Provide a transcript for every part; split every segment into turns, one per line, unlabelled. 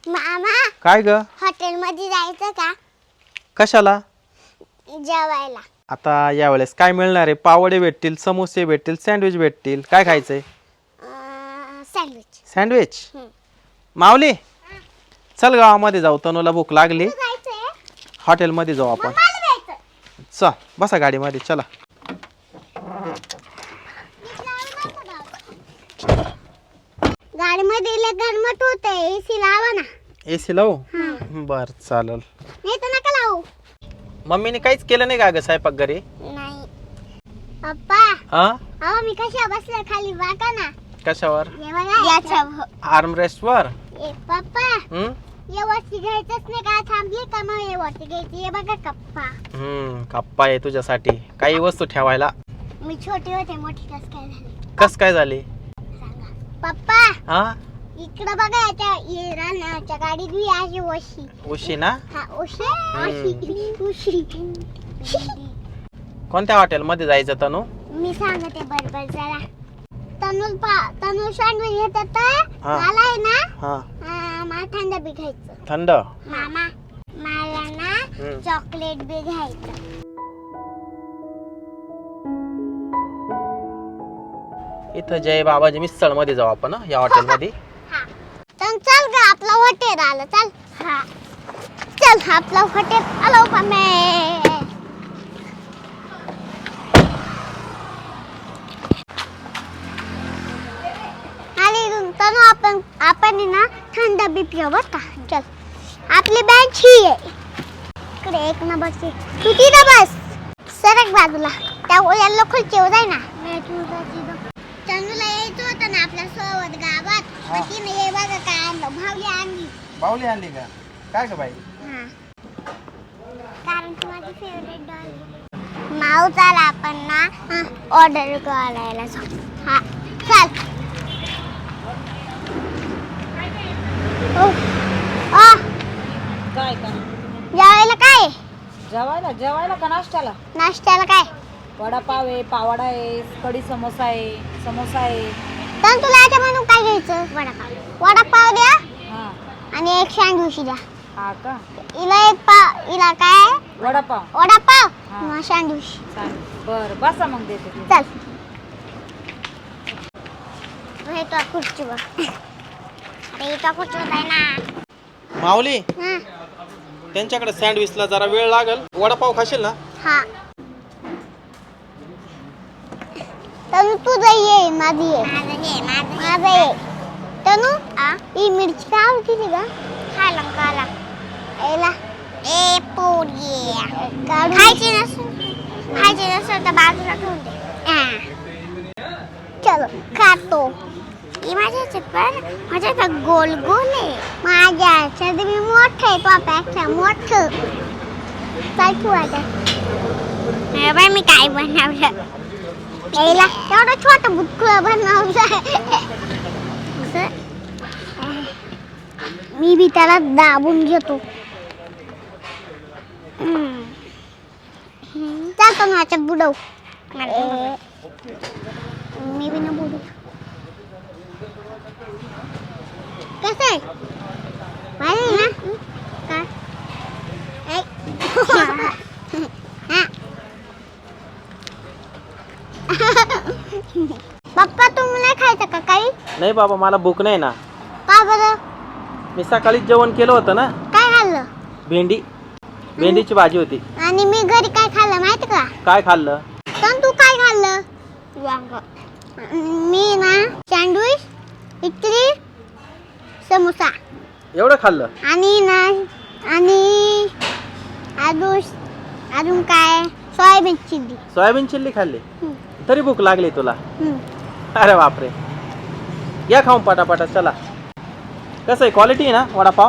मामा
काय ग?
हॉटेल मध्ये जायचं का?
कशाला?
जेवायला.
आता यावेळेस काय मिळणार आहे? पावडे भेटतील, समोसे भेटतील, सँडविच भेटतील. काय खायचंय?
सँडविच.
सँडविच. माऊली चल गावामध्ये जाऊ, तनूला भूक लागली.
जायचंय?
हॉटेलमध्ये जाऊ आपण.
मला जायचं.
चल बसा गाडीमध्ये, चला.
गाडीमध्ये गरमट होतंय, एसी लावा ना.
एसी लावू? बर चालल.
नाही तर नका लावू.
मम्मीने काहीच केलं नाही का ग स्वयंपाक घरी?
नाही. पप्पा
हा?
अहो मी कशा बसले खाली बघा ना.
कशावर?
हे बघा याच्यावर.
आर्मरेस्ट वर.
ए पप्पा
हम्म
ये वरती घ्यायचंच नाही का? थांबली का मग हे वरती घ्यायची. हे बघा कप्पा.
कप्पा आहे तुझ्यासाठी. काही वस्तू ठेवायला.
मी छोटी होते, मोठी कस काय झाली?
कस काय झाली?
सांगा पप्पा.
हा
इकडं बघा याच्या रानाच्या गाडीत मी अशी वशी.
उशी ना?
हा उशी. उशी.
कोणत्या हॉटेल मध्ये जायचं तनू?
मी सांगते बरोबर जरा. तनू सँडविच घेतात.
हा.
मला आहे ना
हा
मला थंड बी घ्यायचं.
थंड.
मामा मला ना चॉकलेट बी घ्यायचं.
इथं जय बाबाजी मिसळ मध्ये जाऊ आपण या हॉटेल मध्ये.
तर चल ग आपलं हॉटेल आलं. चल. हा चल आपलं हॉटेल आलो पामे. तनु आपण ना थंड बी पिऊ बर का. चल आपली बेंच ही आहे इकडे 1 नंबरची. तू तिथं बस. सरक बाजूला. त्या येल्लो खुर्चीवर जाय ना. तनुला यायचं होतं ना आपल्या सोबत गावात. पण तिने हे बघा काय आणलं. भावली आणली.
बाहुली आणली का? काय ग बाई?
कारण ती माझी फेवरेट डॉल. माऊ चल आपण ना ऑर्डर करायला जाऊ. हा चल.
काय का?
जेवायला काय?
जेवायला का नाश्त्याला?
नाश्त्याला काय?
वडापाव आहे, पावडा आहे, कढी समोसा आहे, समोसा आहे.
तर तुला याच्या म्हणून काय घ्यायचं? वडापाव द्या
हा.
आणि एक सँडविच द्या.
हा का?
हिला काय? वडापाव
हा.
सँडविच.
चालेल. बरं बसा मग देते ते.
चल. हे तो खुर्चीवर. अरे तो खुर्चीवर आहे ना.
माऊली
हा.
त्यांच्याकडे सँडविचला जरा वेळ लागल. वडापाव खाशील ना?
हा. तनु तुझं ये, माझी ये. माझं ये. तनु ही मिरची का आवडती का? खाला. एला ए पोरी खायची नसेल तर बाजूला ठेवून दे. चलो खातो. ही माझ्या माझ्या गोल आहे. माझ्या मी मोठं आहे. पापापेक्षा मोठं. काय तू आता? बाई मी काय बनवलं? यायला तेवढं छोटं बुटकुळं बनवलं. मी बी त्याला दाबून घेतो. चालतो ना याच्यात बुडव. मी बी ना बुडू. कसं आहे? भारी ना? काय? पप्पा तुम्हाला खायचं का काही?
नाही बाबा, मला भूक नाही ना.
का बरं?
मी सकाळीच जेवण केलं होतं ना.
काय खाल्लं?
भेंडीची भाजी होती.
आणि मी घरी काय खाल्लं माहिती का?
काय खाल्लं?
पण तू काय खाल्लं? वांग. मी ना सँडविच, इडली, समोसा
एवढं खाल्लं?
आणि अजून काय? सोयाबीन चिल्ली
खाल्ली. तरी भूक लागली तुला? अरे बापरे. या खाऊन पटापटा. चला. कसं आहे, क्वालिटी आहे ना वडापाव?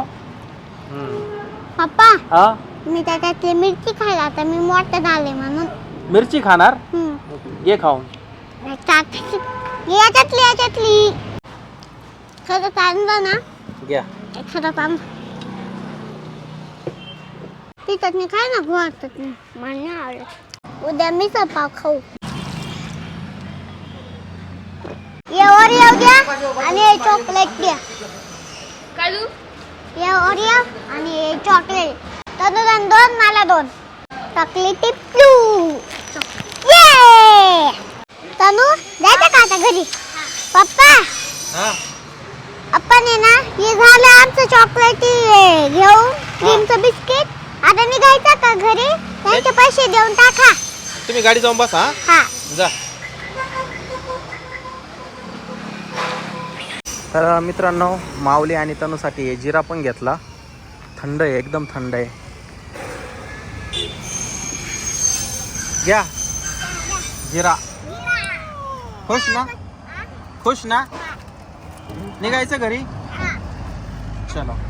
पप्पा
हा
मी त्याच्यातली मिरची खायला. आता मी मोठं झाले म्हणून.
मिरची खाणार? ये खाऊन.
याच्यातली खरं चांगलं ना.
घ्या.
खरं चांगलं. ती चटणी खाय ना. गोड चटणी मला नाही आवडत. उद्या मी पाव खाऊ. येऊ द्या आणि चॉकलेट द्या. हे ओरिओ आणि हे चॉकलेट तनुला 2 मला 2 चॉकलेटी प्लू ये तनु जायचं का आता घरी पप्पा
हा
आपण आहे ना हे झालं आमचं चॉकलेटी घेऊन क्रीमचं बिस्किट आता निघायचं का घरी त्यांचे पैसे देऊन टाका
तुम्ही गाडी जाऊन बसा
हा
जा. तर मित्रांनो माऊली आणि तनूसाठी हे जिरा पण घेतला. थंड आहे एकदम थंड आहे. घ्या जिरा. खुश ना खुश ना निघायचं घरी चलो.